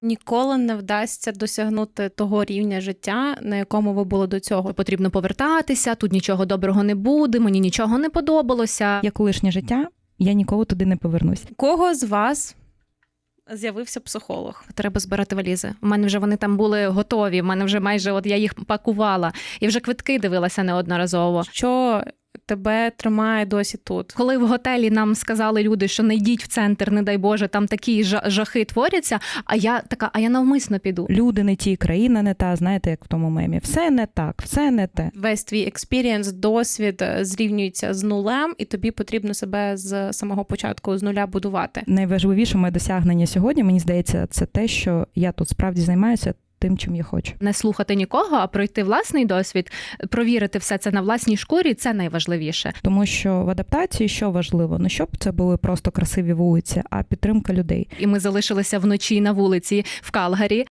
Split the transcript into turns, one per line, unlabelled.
Ніколи не вдасться досягнути того рівня життя, на якому ви були до цього.
Потрібно повертатися, тут нічого доброго не буде, мені нічого не подобалося.
Як колишнє життя, я ніколи туди не повернусь.
У кого з вас з'явився психолог?
Треба збирати валізи. У мене вже вони там були готові, в мене вже майже я їх пакувала. І вже квитки дивилася неодноразово.
Що тебе тримає досі тут?
Коли в готелі нам сказали люди, що не йдіть в центр, не дай Боже, там такі жахи творяться, а я навмисно піду.
Люди не ті, країна не та, знаєте, як в тому мемі. Все не так, все не те.
Весь твій експірієнс, досвід зрівнюється з нулем, і тобі потрібно себе з самого початку з нуля будувати.
Найважливіше моє досягнення сьогодні, мені здається, це те, що я тут справді займаюся тим, чим я хочу.
Не слухати нікого, а пройти власний досвід, провірити все це на власній шкурі – це найважливіше.
Тому що в адаптації що важливо? Не щоб це були просто красиві вулиці, а підтримка людей.
І ми залишилися вночі на вулиці в Калгарі.